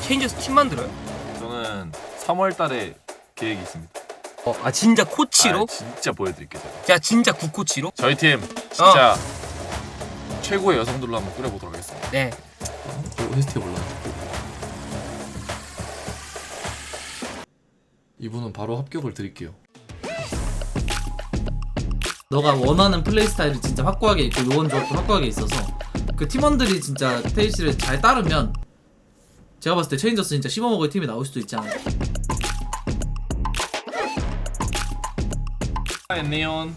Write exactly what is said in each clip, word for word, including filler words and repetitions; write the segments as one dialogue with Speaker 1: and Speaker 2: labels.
Speaker 1: 체인저스 팀 만들어요?
Speaker 2: 저는 삼월 달에 계획이 있습니다.
Speaker 1: 어, 아 진짜 코치로?
Speaker 2: 아, 진짜 보여드릴게요. 제가.
Speaker 1: 자 진짜 국코치로?
Speaker 2: 저희 팀 진짜 어. 최고의 여성들로 한번 꾸려보도록 하겠습니다.
Speaker 1: 네.
Speaker 2: 오에스티가 몰라. 이분은 바로 합격을 드릴게요.
Speaker 3: 너가 원하는 플레이 스타일이 진짜 확고하게 있고 요원 조합도 확고하게 있어서 그 팀원들이 진짜 테이시를 잘 따르면 제가 봤을 때 체인저스 진짜 씹어먹을 팀이 나올 수도 있지 않을까.
Speaker 2: 엔니온.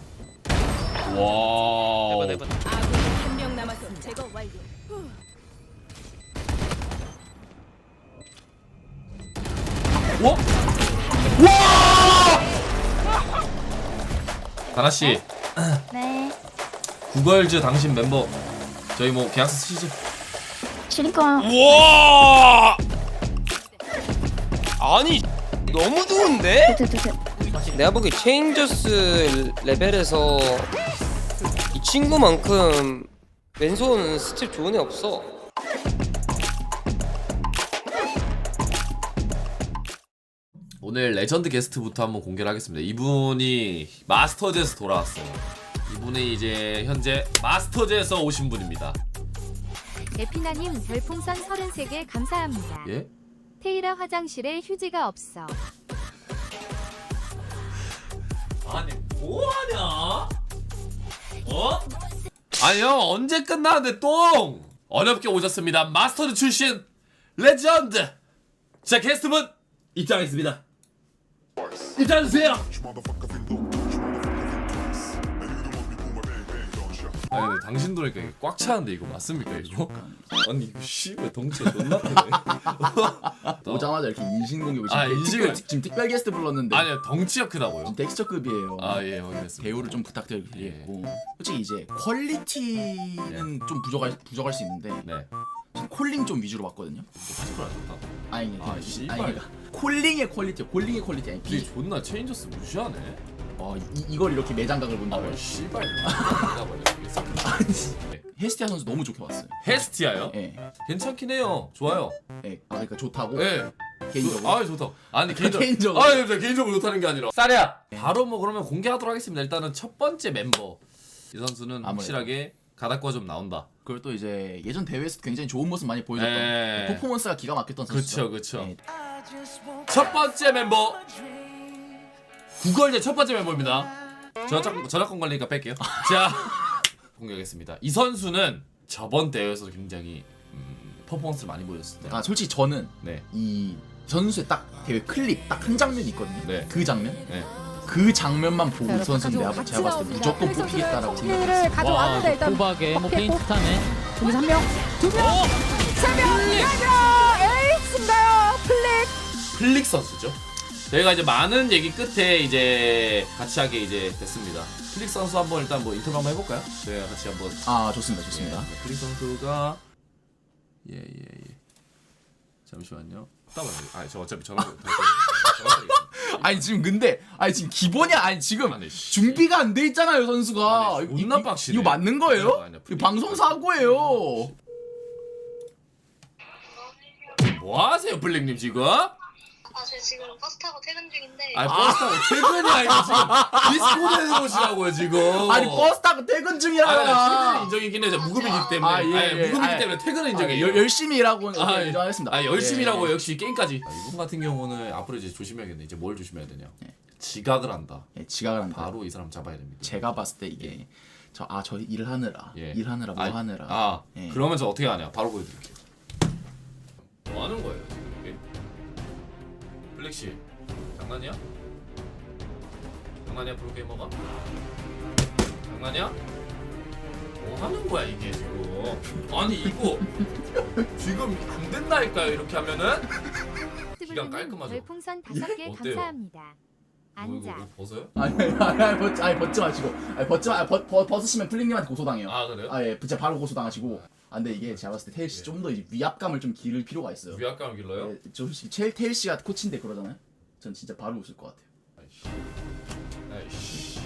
Speaker 2: 와.
Speaker 4: 아군이 한 명 남았음. 제거 완료.
Speaker 2: 와! 와! 다나 씨.
Speaker 5: 네.
Speaker 2: 구걸즈 당신 멤버 저희 뭐 계약서 쓰시죠?
Speaker 5: 그러니까
Speaker 1: 우와! 아니 너무 좋은데?
Speaker 5: 두두두.
Speaker 1: 내가 보기 체인저스 레벨에서 이 친구만큼 왼손 스텝 좋은 애 없어.
Speaker 2: 오늘 레전드 게스트부터 한번 공개를 하겠습니다. 이분이 마스터즈에서 돌아왔어요. 이분이 이제 현재 마스터즈에서 오신 분입니다.
Speaker 6: 에피나님 별풍선 서른세 개 감사합니다.
Speaker 2: 예?
Speaker 6: 테이라 화장실에 휴지가 없어.
Speaker 2: 아니 뭐하냐? 어? 아니 형 언제 끝나는데 똥! 어렵게 오셨습니다. 마스터즈 출신 레전드! 자 게스트분 입장하겠습니다. 입장해주세요! 아니 근데 당신 도니까 이게 꽉 차는데 이거 맞습니까 이거? 아니 이거 씨발 덩치가 존나 크네.
Speaker 7: 오자마자 이렇게 인신공격을
Speaker 2: 아,
Speaker 7: 지금,
Speaker 2: 인신을-
Speaker 7: 특별, 지금 특별 게스트 불렀는데
Speaker 2: 아니요 덩치가 크다고요.
Speaker 7: 지금 텍스처급이에요.
Speaker 2: 아예 확인했습니다.
Speaker 7: 배우를 좀 부탁드리겠고 솔직히 이제 퀄리티는 좀 부족할 부족할 수 있는데
Speaker 2: 네.
Speaker 7: 지금 콜링 좀 위주로 봤거든요.
Speaker 2: 피지컬 안 좋다.
Speaker 7: 아니
Speaker 2: 아,
Speaker 7: 아니
Speaker 2: 씨발.
Speaker 7: 아니 그러니까 콜링의 퀄리티, 콜링의 퀄리티 아니
Speaker 2: 이
Speaker 7: 비.
Speaker 2: 존나 체인저스 무시하네.
Speaker 7: 어, 이, 이걸 이렇게 매장각을 본다고요?
Speaker 2: 아 씨발.
Speaker 7: 헤스티아 선수 너무 좋게 봤어요.
Speaker 2: 헤스티아요?
Speaker 7: 예,
Speaker 2: 괜찮긴 해요. 좋아요.
Speaker 7: 예, 아 그러니까 좋다고.
Speaker 2: 예.
Speaker 7: 개인적으로.
Speaker 2: 아 좋다. 아니 개인적으로.
Speaker 7: 개인적으로.
Speaker 2: 아 네, 개인적으로 좋다는 게 아니라. 쌀이야. 바로 뭐 그러면 공개하도록 하겠습니다. 일단은 첫 번째 멤버 이 선수는
Speaker 7: 아무래도.
Speaker 2: 확실하게 가닥과 좀 나온다.
Speaker 7: 그걸 또 이제 예전 대회에서 굉장히 좋은 모습 많이 보여줬던
Speaker 2: 예.
Speaker 7: 퍼포먼스가 기가 막혔던 선수죠.
Speaker 2: 그쵸 그쵸.
Speaker 7: 예.
Speaker 2: 첫 번째 멤버 구걸제 첫 번째 멤버입니다. 저작 저작권 관리니까 뺄게요. 자 공개하겠습니다. 이 선수는 저번 대회에서 굉장히 음, 퍼포먼스를 많이 보여줬습니다.
Speaker 7: 아 솔직히 저는
Speaker 2: 네.
Speaker 7: 이 선수의 딱 대회 클립 딱 한 장면이 있거든요.
Speaker 2: 네.
Speaker 7: 그 장면,
Speaker 2: 네.
Speaker 7: 그 장면만 보고 이 선수는 내가 제가 봤을 때 무조건 뽑히겠다라고 생각했어요.
Speaker 5: 를 가져왔는데 일단
Speaker 3: 호박에 뭐 페인트타네.
Speaker 5: 여기서 한 명, 두 명, 세 명, 네 명, 에이스인가요? 플릭.
Speaker 2: 플릭 선수죠. 저희가 이제 많은 얘기 끝에 이제 같이 하게 이제 됐습니다. 플릭 선수 한번 일단 뭐 인터뷰 한번 해볼까요? 저희가 같이 한번.
Speaker 7: 아 좋습니다, 좋습니다.
Speaker 2: 예, 플릭 선수가 예예 예, 예. 잠시만요. 따봐요. 아 저 어차피 전화 전화.
Speaker 7: 아니 지금 근데 아니 지금 기본이 아니 지금
Speaker 2: 아니, 씨.
Speaker 7: 준비가 안 돼 있잖아요 선수가.
Speaker 2: 아니,
Speaker 7: 이거-
Speaker 2: 존나
Speaker 7: 이거-
Speaker 2: 빡시네.
Speaker 7: 이거 맞는 거예요?
Speaker 2: 아니야, 아니야.
Speaker 7: 이거 방송 사고예요.
Speaker 2: 뭐 하세요, 플릭님 지금?
Speaker 8: 아, 저 지금 버스 타고 퇴근 중인데.
Speaker 2: 아니 버스 타고 퇴근이 아니고 지금 디스코드에 오시라고요 지금.
Speaker 7: 아니 버스 타고 퇴근
Speaker 2: 아니,
Speaker 7: 중이라잖아.
Speaker 2: 퇴근은 인정이긴 해요. 무급이기 때문에.
Speaker 7: 아, 예,
Speaker 2: 아니,
Speaker 7: 예.
Speaker 2: 무급이기
Speaker 7: 아,
Speaker 2: 때문에 퇴근은
Speaker 7: 아,
Speaker 2: 인정해요.
Speaker 7: 열- 열심히 일하고
Speaker 2: 아,
Speaker 7: 아, 인정하겠습니다.
Speaker 2: 아 열심히라고
Speaker 7: 예.
Speaker 2: 역시 게임까지. 아, 이분 같은 경우는 앞으로 이제 조심해야겠네. 이제 뭘 조심해야 되냐?
Speaker 7: 예.
Speaker 2: 지각을 한다.
Speaker 7: 예, 지각을 한다.
Speaker 2: 바로 이 사람 잡아야 됩니다.
Speaker 7: 제가 봤을 때 이게 저 아 저 일하느라
Speaker 2: 예.
Speaker 7: 일하느라 뭐
Speaker 2: 아,
Speaker 7: 하느라
Speaker 2: 아
Speaker 7: 예.
Speaker 2: 그러면 저 어떻게 하냐? 바로 보여드릴게요. 뭐 하는 거예요 지금 이게? 블랙 씨 장난이야? 장난이야 프로게이머가? 장난이야? 뭐 하는 거야 이게 지금? 아니 이거 지금 안 된다니까요 이렇게 하면은? 기가 깔끔하죠?
Speaker 6: 별풍선 다섯 개
Speaker 2: 어때요?
Speaker 6: 감사합니다.
Speaker 2: 뭐 이거
Speaker 6: 앉아.
Speaker 2: 뭐 벗어요?
Speaker 7: 아니 아니 아니 벗 아니 벗지 마시고 아니 벗지 마 벗, 벗 벗으시면 플링님한테 고소당해요.
Speaker 2: 아 그래요?
Speaker 7: 아예 진짜 바로 고소당하시고. 아 근데 이게 제가 봤을 때 테일 씨 좀 더 위압감을 좀 기를 필요가 있어요.
Speaker 2: 위압감을 길러요?
Speaker 7: 예, 저 솔직히 제일 테일 씨가 코치인데 그러잖아요. 전 진짜 바로 웃을 것 같아요.
Speaker 2: 아이씨. 아이씨.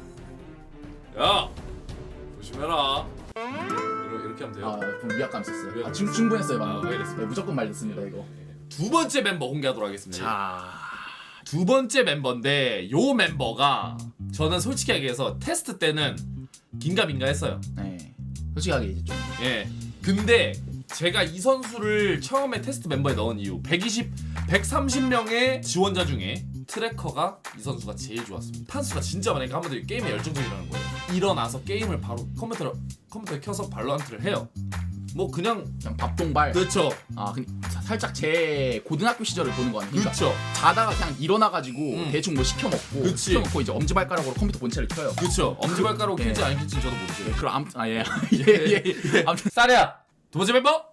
Speaker 2: 야 조심해라. 이렇게, 이렇게 하면 돼요.
Speaker 7: 아 그럼 위압감 있었어요. 아
Speaker 2: 위압감
Speaker 7: 충, 충분했어요
Speaker 2: 아,
Speaker 7: 방금.
Speaker 2: 알겠습니다.
Speaker 7: 네, 무조건 말렸습니다 이거.
Speaker 2: 예, 예. 두 번째 멤버 공개하도록 하겠습니다.
Speaker 7: 자,
Speaker 2: 두 번째 멤버인데 요 멤버가 저는 솔직히 얘기해서 테스트 때는 긴가민가 했어요.
Speaker 7: 네. 솔직하게 이제 좀
Speaker 2: 예. 근데 제가 이 선수를 처음에 테스트 멤버에 넣은 이유 백이십, 백삼십 명의 지원자 중에 트래커가 이 선수가 제일 좋았습니다. 판수가 진짜 많으니까 한번들 게임에 열정적이라는 거예요. 일어나서 게임을 바로 컴퓨터로 컴퓨터에 켜서 발로란트를 해요. 뭐 그냥
Speaker 7: 그냥 밥동발.
Speaker 2: 그렇죠.
Speaker 7: 아, 근 살짝 제 고등학교 시절을 보는 거 아니에요? 그러니까
Speaker 2: 그렇죠.
Speaker 7: 자다가 그냥 일어나가지고
Speaker 2: 음.
Speaker 7: 대충 뭐 시켜 먹고
Speaker 2: 그치.
Speaker 7: 시켜 먹고 이제 엄지발가락으로 컴퓨터 본체를 켜요.
Speaker 2: 그렇죠. 엄지발가락
Speaker 7: 예.
Speaker 2: 킬지 안 킬지는 저도
Speaker 7: 네,
Speaker 2: 모르죠.
Speaker 7: 그럼 아무튼 아 예. 예, 예, 예. 아무튼
Speaker 2: 쌀이야. 두 번째 멤버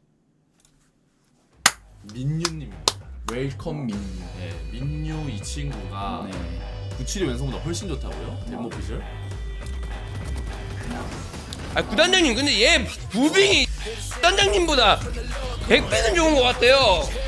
Speaker 2: 민유님입니다.
Speaker 7: 웰컴 민.
Speaker 2: 네, 민유 이 친구가
Speaker 7: 네.
Speaker 2: 구칠이 왼손보다 훨씬 좋다고요? 덴모 피셜?
Speaker 1: 아 구단장님 근데 얘 무빙이 구단장님보다 백 배는 좋은 것 같아요.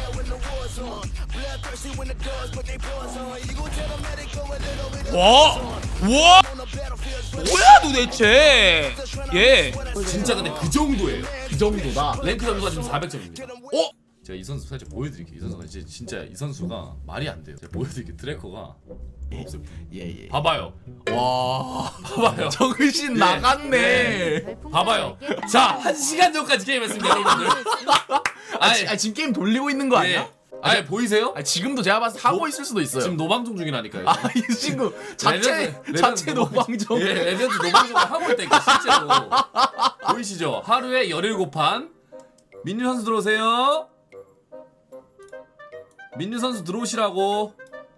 Speaker 1: 와, 와, 뭐야 도대체? 얘
Speaker 2: 진짜 근데 그 정도예요.
Speaker 7: 그 정도다.
Speaker 2: 랭크 점수가 지금 사백 점입니다. 어? 제가 이 선수 살짝 보여드릴게요. 이 선수가 이제 진짜 이 선수가 말이 안 돼요. 제가 보여드릴게요. 트래커가 없어요.
Speaker 7: 예, 예.
Speaker 2: 봐봐요.
Speaker 7: 와.
Speaker 2: 봐봐요.
Speaker 7: 정신
Speaker 2: 예.
Speaker 7: 나갔네.
Speaker 6: 별풍선
Speaker 2: 봐봐요.
Speaker 6: 열 개
Speaker 2: 자, 한 시간 전까지 게임했습니다, 여러분들.
Speaker 7: 아,
Speaker 2: 아니,
Speaker 7: 지, 아 지금 게임 돌리고 있는 거 아니야?
Speaker 2: 예. 아니 보이세요?
Speaker 7: 아 지금도 제가 봤을 때 하고
Speaker 2: 노-
Speaker 7: 있을 수도 있어요.
Speaker 2: 지금 노방종 중이라니까요.
Speaker 7: 아 이 친구 자체
Speaker 2: 레전드,
Speaker 7: 자체
Speaker 2: 레전드
Speaker 7: 노방종.
Speaker 2: 예, 레전드 노방종을 하고 있다니까 실제로. 보이시죠? 하루에 열일곱 판. 민유 선수 들어오세요. 민유 선수 들어오시라고.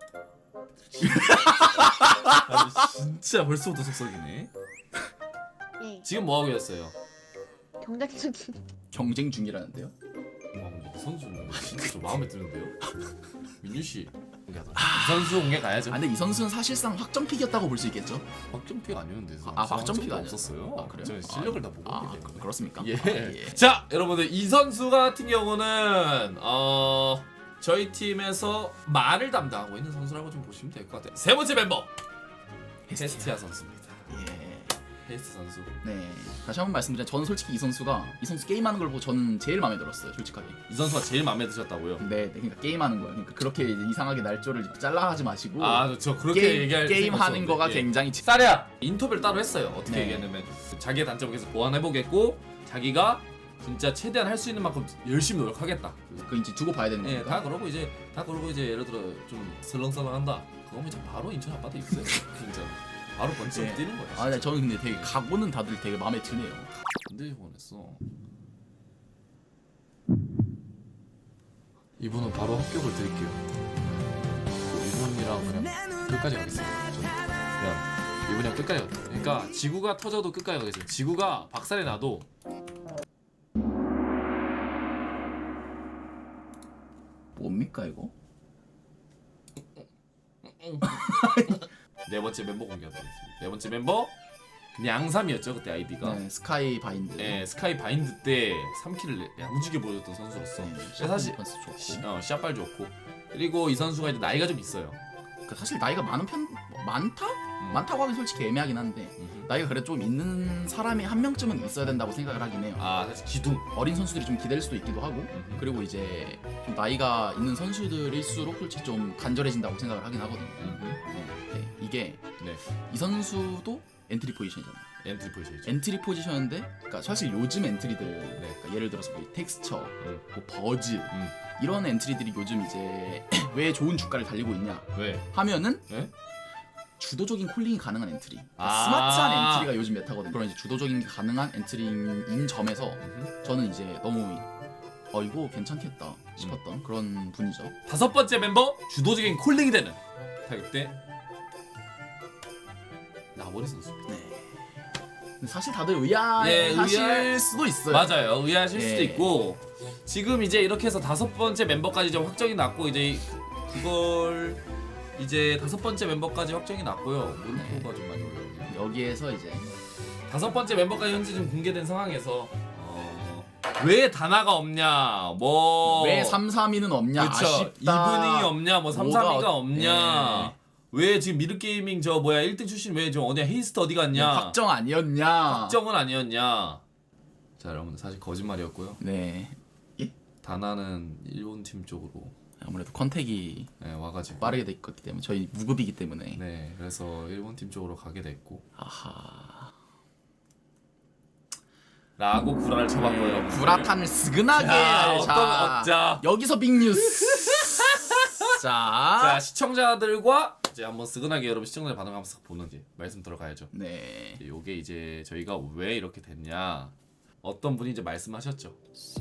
Speaker 2: 아니, 진짜 벌써부터 속썩이네.
Speaker 8: 예.
Speaker 2: 지금 뭐 하고 계셨어요?
Speaker 8: 경쟁 중인.
Speaker 7: 경쟁 중이라는데요?
Speaker 2: 와, 근데 이 선수는 진짜 좀 마음에 드는데요. 민유 씨 공개하자. 이 선수 공개 가야죠.
Speaker 7: 아 근데 이 선수는 사실상 확정픽이었다고 볼 수 있겠죠?
Speaker 2: 확정피가 아니었는데.
Speaker 7: 아, 확정피가 아니었-
Speaker 2: 없었어요.
Speaker 7: 아, 그래요?
Speaker 2: 저는 실력을 다 보고
Speaker 7: 아
Speaker 2: 있기 때문에.
Speaker 7: 그렇습니까?
Speaker 2: 예.
Speaker 7: 아, 예.
Speaker 2: 자, 여러분들 이 선수 같은 경우는 어 저희 팀에서 말을 담당하고 있는 선수라고 좀 보시면 될 것 같아요. 세 번째 멤버 헤스티아 선수입니다.
Speaker 7: 예.
Speaker 2: 헤스트 선수.
Speaker 7: 네. 다시 한번 말씀드리면 저는 솔직히 이 선수가 이 선수 게임하는 걸 보고 저는 제일 마음에 들었어요. 솔직하게.
Speaker 2: 이 선수가 제일 마음에 드셨다고요?
Speaker 7: 네, 네 그러니까 게임하는 거예요. 그러니까 그렇게 이제 이상하게 날조를 잘라하지 마시고
Speaker 2: 아, 저 그렇게
Speaker 7: 게임
Speaker 2: 얘기할
Speaker 7: 게임
Speaker 2: 생각
Speaker 7: 하는
Speaker 2: 없었는데,
Speaker 7: 거가
Speaker 2: 예.
Speaker 7: 굉장히 지-
Speaker 2: 쌀이야. 인터뷰를 따로 했어요. 어떻게
Speaker 7: 네.
Speaker 2: 얘기하냐면 자기의 단점을 계속 보완해 보겠고 자기가 진짜 최대한 할 수 있는 만큼 열심히 노력하겠다.
Speaker 7: 그 이제 두고 봐야 되는
Speaker 2: 예,
Speaker 7: 거니까.
Speaker 2: 다 그러고 이제 다 그러고 이제 예를 들어 좀 설렁설렁한다. 그거면 이제 바로 인천 아빠도 있어요. 진짜 바로 번쩍
Speaker 7: 예.
Speaker 2: 뛰는 거야.
Speaker 7: 아, 네, 저는 근데 되게 각오는 다들 되게 마음에 드네요.
Speaker 2: 근데 보냈어. 이분은 바로 합격을 드릴게요. 이분이랑 그냥 끝까지 가겠습니다. 저는 그냥 이분이랑 끝까지 가. 그러니까 지구가 터져도 끝까지 가겠습니다. 지구가 박살이 나도
Speaker 7: 뭡니까 이거?
Speaker 2: 네 번째 멤버 공개하도록 하겠습니다. 네 번째 멤버 양삼이었죠 그때 아이디가.
Speaker 7: 네, 스카이 바인드.
Speaker 2: 예, 스카이 바인드 때 삼 킬을 야무지게 보여줬던 선수로서
Speaker 7: 네,
Speaker 2: 근데 사실
Speaker 7: 샷 좋고.
Speaker 2: 시, 어, 샷발 좋고 그리고 이 선수가 이제 나이가 좀 있어요.
Speaker 7: 그 사실 나이가 많은 편 뭐, 많다?
Speaker 2: 음.
Speaker 7: 많다고 하긴 솔직히 애매하긴 한데
Speaker 2: 음흠.
Speaker 7: 나이가 그래도 좀 있는 사람이 한 명쯤은 있어야 된다고 생각을 하긴 해요.
Speaker 2: 아 사실 기둥.
Speaker 7: 어린 선수들이 좀 기댈 수도 있기도 하고
Speaker 2: 음흠.
Speaker 7: 그리고 이제 좀 나이가 있는 선수들일수록 솔직히 좀 간절해진다고 생각을 하긴 하거든요.
Speaker 2: 음흠.
Speaker 7: 네, 이게
Speaker 2: 네.
Speaker 7: 이 선수도 엔트리 포지션이잖아요.
Speaker 2: 엔트리 포지션이죠.
Speaker 7: 엔트리 포지션인데, 그러니까 사실 요즘 엔트리들, 그러니까 예를 들어서 뭐 텍스처,
Speaker 2: 음.
Speaker 7: 뭐 버즈
Speaker 2: 음.
Speaker 7: 이런 엔트리들이 요즘 이제 왜 좋은 주가를 달리고 있냐
Speaker 2: 왜?
Speaker 7: 하면은
Speaker 2: 네?
Speaker 7: 주도적인 콜링이 가능한 엔트리, 그러니까
Speaker 2: 아.
Speaker 7: 스마트한 엔트리가 요즘 메타거든요. 그런 이제 주도적인 게 가능한 엔트리인 점에서
Speaker 2: 음흠.
Speaker 7: 저는 이제 너무 어 이거 괜찮겠다 싶었던
Speaker 2: 음.
Speaker 7: 그런 분이죠.
Speaker 2: 다섯 번째 멤버 주도적인 콜링이 되는 타격대 나머리 선수입니다.
Speaker 7: 네. 근데 사실 다들 의아하실
Speaker 2: 예, 의아할-
Speaker 7: 수도 있어요.
Speaker 2: 맞아요. 의아하실 수도
Speaker 7: 예.
Speaker 2: 있고 지금 이제 이렇게 해서 다섯 번째 멤버까지 이제 확정이 났고 이제 그걸 이제 다섯 번째 멤버까지 확정이 났고요. 물음표가 좀 많이 올라오네요.
Speaker 7: 여기에서 이제
Speaker 2: 다섯 번째 멤버까지 현재 좀 공개된 상황에서 어, 왜 다나가 없냐, 뭐
Speaker 7: 왜 삼삼이는 없냐,
Speaker 2: 그쵸,
Speaker 7: 아쉽다.
Speaker 2: 이분이 없냐, 뭐 삼삼이가
Speaker 7: 뭐가 어-
Speaker 2: 없냐, 왜 지금 미르게이밍 저 뭐야 일 등 출신 왜 저 어디야 헤이스트 어디 갔냐,
Speaker 7: 확정 아니었냐.
Speaker 2: 확정은 아니었냐. 자 여러분들 사실 거짓말이었고요.
Speaker 7: 네. 예?
Speaker 2: 다나는 일본 팀 쪽으로
Speaker 7: 아무래도 컨택이
Speaker 2: 네, 와가지고
Speaker 7: 빠르게 돼 있기 때문에 저희 무급이기 때문에.
Speaker 2: 네, 그래서 일본 팀 쪽으로 가게 됐고
Speaker 7: 아하.
Speaker 2: 라고 구라를 쳐봤고요. 여러분.
Speaker 7: 구라탄을 스근하게.
Speaker 2: 자, 어떤
Speaker 7: 자,
Speaker 2: 자,
Speaker 7: 여기서 빅뉴스. 자,
Speaker 2: 자 시청자들과 이제 한번 스근하게 여러분 시청자들 반응 한번 싹 보는 게 말씀 들어가야죠.
Speaker 7: 네.
Speaker 2: 이제 요게 이제 저희가 왜 이렇게 됐냐 어떤 분이 이제 말씀하셨죠.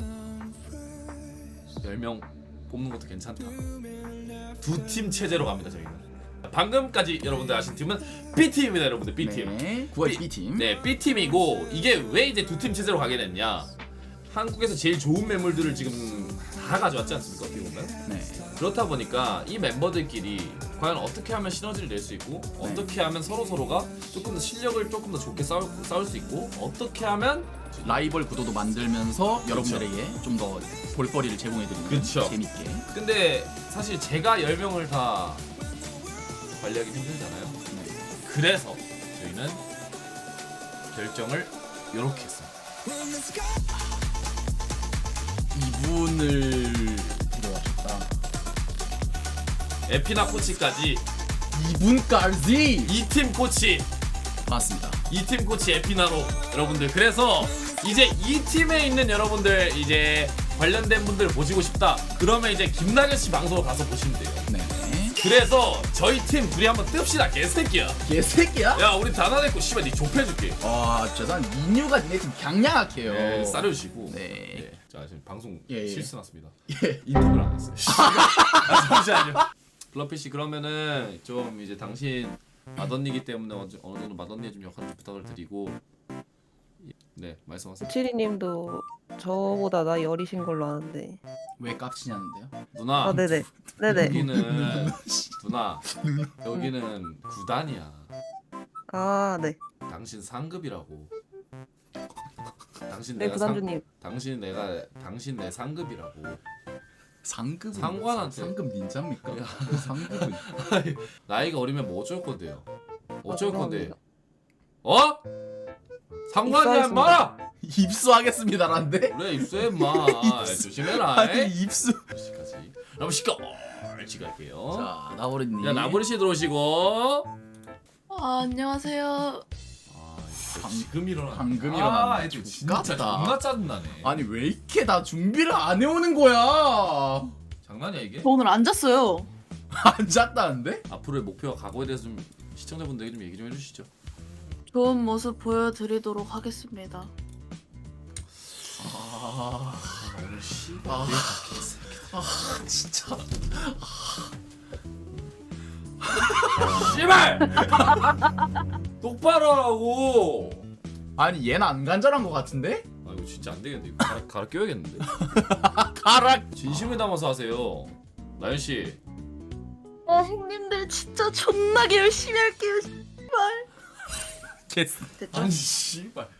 Speaker 2: 열 명 뽑는 것도 괜찮다. 두 팀 체제로 갑니다 저희는. 방금까지 여러분들 아신 팀은 B팀입니다 여러분들. B팀.
Speaker 7: 네. 구월 B팀.
Speaker 2: 네 B팀이고 이게 왜 이제 두 팀 체제로 가게 됐냐. 한국에서 제일 좋은 매물들을 지금 다 가져왔지 않습니까 어떻게 보면.
Speaker 7: 네.
Speaker 2: 그렇다 보니까 이 멤버들끼리 과연 어떻게 하면 시너지를 낼 수 있고 어떻게 하면 서로 서로가 조금 더 실력을 조금 더 좋게 싸울, 싸울 수 있고 어떻게 하면
Speaker 7: 라이벌 구도도 만들면서 여러분들에게 좀 더 볼거리를 제공해드리는
Speaker 2: 그쵸.
Speaker 7: 재밌게.
Speaker 2: 근데 사실 제가 열 명을 다 관리하기 힘들잖아요.
Speaker 7: 네.
Speaker 2: 그래서 저희는 결정을 이렇게 했습니다.
Speaker 7: 이분을 데려왔다.
Speaker 2: 에피나 코치까지
Speaker 7: 이분까지.
Speaker 2: 이 팀 코치
Speaker 7: 맞습니다.
Speaker 2: 이 팀 코치 에피나로 여러분들. 그래서 이제 이 팀에 있는 여러분들 이제 관련된 분들 보시고 싶다 그러면 이제 김나경 씨 방송을 가서 보시면 돼요.
Speaker 7: 네.
Speaker 2: 그래서 저희 팀 둘이 한번 뜹시다 개새끼야.
Speaker 7: 개새끼야?
Speaker 2: 야 우리 다나냈고 씨발 니 좁혀줄게.
Speaker 7: 아, 죄송한 민유가 니네 팀 강량학해요.
Speaker 2: 네, 싸려주시고.
Speaker 7: 네.
Speaker 2: 네. 자 지금 방송
Speaker 7: 예, 예.
Speaker 2: 실수 났습니다.
Speaker 7: 예.
Speaker 2: 인터뷰를 안 했어요. 아, 잠시만요. 블러피 씨 그러면은 좀 이제 당신 맏언니기 때문에 어느 어느 정도 맏언니의 좀 역할을 좀 부탁을 드리고. 네 말씀하세요.
Speaker 9: 치리님도 저보다 나이 어리신 걸로 아는데.
Speaker 7: 왜 깝치냐는데요?
Speaker 2: 누나.
Speaker 9: 아 네네. 네네.
Speaker 2: 여기는 누나. 여기는 구단이야.
Speaker 9: 아 네.
Speaker 2: 당신 상급이라고. 당신
Speaker 9: 네
Speaker 2: 내가 상,
Speaker 9: 구단주님.
Speaker 2: 당신 내가 당신 내 상급이라고.
Speaker 7: 상급은
Speaker 2: 상관한테.
Speaker 7: 상급 닌자입니까? 상급은
Speaker 2: 나이가 어리면 뭐 어쩔 건데요? 어쩔
Speaker 9: 아,
Speaker 2: 건데?
Speaker 9: 죄송합니다.
Speaker 2: 어? 상관이야
Speaker 9: 입사했습니다.
Speaker 2: 임마!
Speaker 7: 입수하겠습니다란데?
Speaker 2: 그래 입수해 임마. 조심해라.
Speaker 7: 아니 입수.
Speaker 2: 시까지. 그럼 시까 얼지 갈게요.
Speaker 7: 자, 나버리님.
Speaker 2: 자 나보리 씨 들어오시고.
Speaker 8: 아, 안녕하세요.
Speaker 2: 아
Speaker 7: 방-
Speaker 2: 지금 일어나.
Speaker 7: 방금
Speaker 2: 아,
Speaker 7: 일어났네.
Speaker 2: 애들 진짜
Speaker 7: 족같다.
Speaker 2: 존나 짜증나네.
Speaker 7: 아니 왜 이렇게 다 준비를 안 해오는 거야?
Speaker 2: 장난이야 이게?
Speaker 8: 저 오늘 안 잤어요.
Speaker 7: 안 잤다는데?
Speaker 2: 앞으로의 목표와 각오에 대해서 좀 시청자분들에게 좀 얘기 좀 해주시죠.
Speaker 8: 좋은 모습 보여드리도록 하겠습니다.
Speaker 7: 아,
Speaker 2: 오늘 씨.
Speaker 7: 아, 아 진짜.
Speaker 2: 씨발! 똑바로 하라고.
Speaker 7: 아니 얘는 안 간절한 것 같은데?
Speaker 2: 아 이거 진짜 안 되겠는데. 이거 갈아, 갈아 껴야겠는데.
Speaker 7: 가라.
Speaker 2: 진심을 담아서 하세요. 나연 씨.
Speaker 8: 아, 형님들 진짜 존나게 열심히 할게요.
Speaker 7: 됐어.
Speaker 2: 아니 씨발.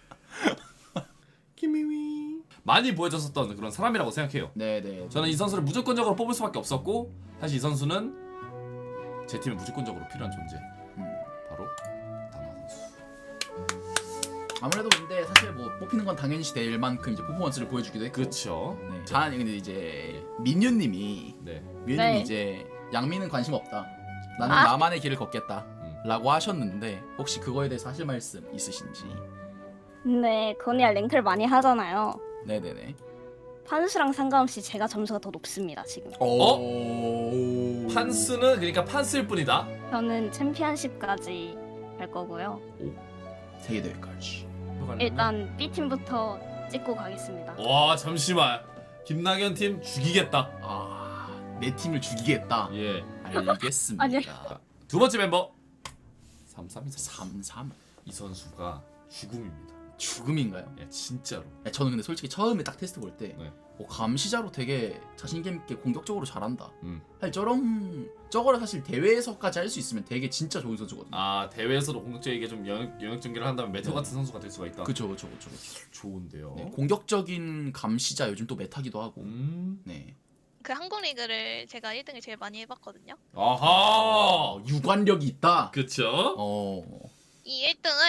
Speaker 2: 키미위. 많이 보여줬었던 그런 사람이라고 생각해요.
Speaker 7: 네네.
Speaker 2: 저는 이 선수를 무조건적으로 뽑을 수밖에 없었고 사실 이 선수는 제 팀에 무조건적으로 필요한 존재.
Speaker 7: 음.
Speaker 2: 바로 다나 선수.
Speaker 7: 아무래도 근데 사실 뭐 뽑히는 건 당연시 될 만큼 이제 퍼포먼스를 보여주기도 했고.
Speaker 2: 그렇죠.
Speaker 7: 네. 자, 근데 이제 민유님이
Speaker 2: 네.
Speaker 7: 민유님이
Speaker 8: 네.
Speaker 7: 이제 양미는 관심 없다. 나는
Speaker 8: 아.
Speaker 7: 나만의 길을 걷겠다.
Speaker 2: 음.
Speaker 7: 라고 하셨는데 혹시 그거에 대해서 하실 말씀 있으신지?
Speaker 10: 네, 건이야 랭크를 많이 하잖아요.
Speaker 7: 네네네.
Speaker 10: 판수랑 상관없이 제가 점수가 더 높습니다, 지금.
Speaker 7: 오.
Speaker 2: 판스는 그러니까 판스일 뿐이다.
Speaker 10: 저는 챔피언십까지 갈 거고요.
Speaker 7: 세계 대회까지.
Speaker 10: 일단 B팀부터 찍고 가겠습니다.
Speaker 2: 와 잠시만. 김나경 팀 죽이겠다.
Speaker 7: 아, 내 팀을 죽이겠다.
Speaker 2: 예.
Speaker 7: 알겠습니다.
Speaker 10: 아니요.
Speaker 2: 두 번째 멤버. 삼삼이
Speaker 7: 삼삼.
Speaker 2: 이 선수가 죽음입니다.
Speaker 7: 죽음인가요?
Speaker 2: 예, 진짜로.
Speaker 7: 야, 저는 근데 솔직히 처음에 딱 테스트 볼 때
Speaker 2: 네.
Speaker 7: 어, 감시자로 되게 자신감 있게 공격적으로 잘한다.
Speaker 2: 음.
Speaker 7: 사실 저런 저거를 사실 대회에서까지 할 수 있으면 되게 진짜 좋은 선수거든요.
Speaker 2: 아 대회에서도 공격적이게 좀 영역, 영역 전개를 한다면 메테오
Speaker 7: 네.
Speaker 2: 같은 선수가 될 수가 있다.
Speaker 7: 그쵸 그쵸 그쵸.
Speaker 2: 좋은데요.
Speaker 7: 네, 공격적인 감시자 요즘 또 메타기도 하고.
Speaker 2: 음.
Speaker 7: 네.
Speaker 8: 그 한국 리그를 제가 일 등을 제일 많이 해봤거든요.
Speaker 2: 아하.
Speaker 7: 유관력이 있다.
Speaker 2: 그쵸?
Speaker 7: 어.
Speaker 8: 이 일 등을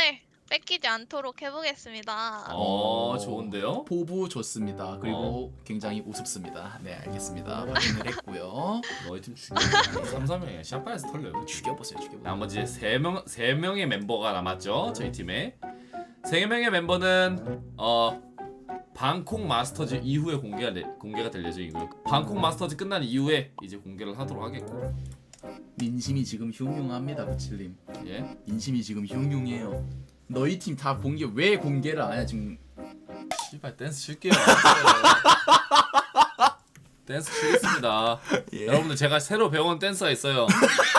Speaker 8: 뺏기지 않도록 해보겠습니다.
Speaker 2: 어 좋은데요?
Speaker 7: 포부 좋습니다. 그리고 굉장히 우습습니다. 네 알겠습니다. 확인을 했고요.
Speaker 2: 너희 팀 죽여. 삼, 사 명이 샷발에서 털려요.
Speaker 7: 죽여보세요. 죽여보세요.
Speaker 2: 나머지 세 명, 세 명의 멤버가 남았죠. 저희 팀에 세 명의 멤버는 어 방콕 마스터즈 이후에 공개가 내, 공개가 될 예정이고요. 방콕 마스터즈 끝난 이후에 이제 공개를 하도록 하겠고.
Speaker 7: 민심이 지금 흉흉합니다, 구칠님.
Speaker 2: 예.
Speaker 7: 민심이 지금 흉흉해요. 너희 팀 다 공개 왜 공개를 안 하냐 지금.
Speaker 2: 씨발 댄스 칠게요. 댄스 치겠습니다.
Speaker 7: 예.
Speaker 2: 여러분들 제가 새로 배운 댄스가 있어요.